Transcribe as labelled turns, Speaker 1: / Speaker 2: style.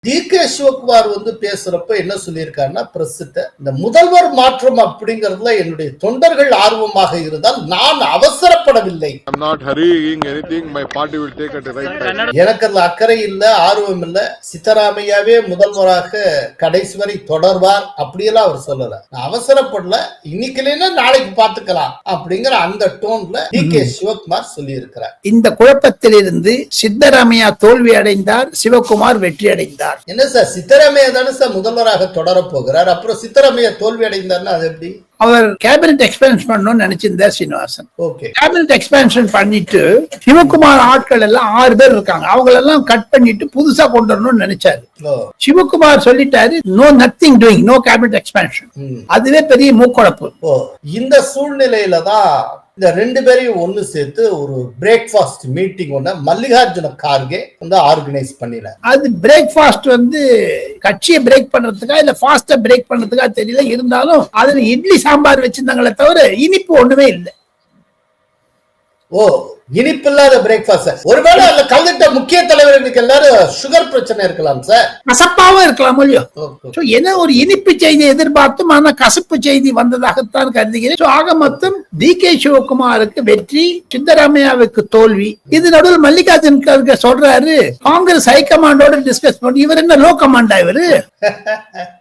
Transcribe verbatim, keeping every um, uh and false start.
Speaker 1: D K Sivakumar வந்து பேசுறப்ப என்ன சொல்லியிருக்காருன்னா, பிரஸ்கிட்ட இந்த முதல்வர் மாற்றம் அப்படிங்கறதுல என்னுடைய தொண்டர்கள் ஆர்வமாக இருந்தால் நான் அவசரப்படவில்லை. எனக்கு அதுல அக்கறை இல்ல, ஆர்வம் இல்ல. சித்தராமையாவே முதல்வராக கடைசி வரை தொடர்வார் அப்படியெல்லாம் அவர் சொல்லல. நான் அவசரப்படல, இன்னைக்கு இல்லைன்னா நாளைக்கு பாத்துக்கலாம் அப்படிங்கிற அந்த டோன்ல டி கே சிவகுமார் சொல்லி இருக்கிறார்.
Speaker 2: இந்த குழப்பத்திலிருந்து சித்தராமையா தோல்வி அடைந்தார், சிவகுமார் வெற்றி அடைந்தார்.
Speaker 1: என்ன சார், சித்தராமையா தானே சார் முதல்வராக தொடர போகிறார். அப்புறம் சித்தராமையா தோல்வி அடைந்தார்னா அது எப்படி?
Speaker 2: அவர் கேபினட் எக்ஸ்பேன்ஷன் பண்ணணும்னு நினைச்சிருந்தார் சீனிவாசன்.
Speaker 1: ஓகே,
Speaker 2: கேபினட் எக்ஸ்பேன்ஷன் பண்ணிட்டு சிவகுமார் ஆட்கள் எல்லாம் ஆறு பேர் இருக்காங்க, அவங்க எல்லாம் கட் பண்ணிட்டு புதுசா கொண்டு வரணும்னு நினைச்சாரு. சிவகுமார் சொல்லிட்டாரு, no nothing doing, no cabinet expansion. அதுவே பெரிய மூக்குழப்பு.
Speaker 1: ஓ, இந்த சூழ்நிலையில தான் இந்த ரெண்டு பேரையும் ஒண்ணு சேர்த்து ஒரு பிரேக்ஃபாஸ்ட் மீட்டிங் ஒண்ணு மல்லிகார்ஜுன கார்கே வந்து ஆர்கனைஸ் பண்ணினார்.
Speaker 2: அது பிரேக்ஃபாஸ்ட் வந்து கட்சியை பிரேக் பண்றதுக்கா இல்ல ஃபாஸ்டா பிரேக் பண்றதுக்கா தெரியல, இருந்தாலும் அதுல இட்லி சாம்பார் வச்சிருந்தாங்களே தவிர இனிப்பு ஒண்ணுமே இல்லை.
Speaker 1: ஓ, இனிப்பு இல்லாத பிரேக்ஃபாஸ்ட். ஒருவேளை அதுல கலந்துட்ட முக்கிய தலைவர்களுக்கு எல்லாரும் சுகர் பிரச்சனை இருக்கலாம் சார்,
Speaker 2: கசப்பாவும் இருக்கலாம் இல்லையோ. ஏன்னா ஒரு இனிப்பு செய்தி எதிர்பார்த்தும் ஆனா கசப்பு செய்தி வந்ததாகத்தான் கருதுகிறேன். ஆக மொத்தம் டி கே சிவகுமாருக்கு வெற்றி, சித்தராமையாவுக்கு தோல்வி. இது நடுவில் மல்லிகார்ஜுன் கார்கே சொல்றாரு, காங்கிரஸ் ஹைகமாண்டோட டிஸ்கஸ் பண்ணி, இவர் என்ன லோ கமாண்டா இவரு?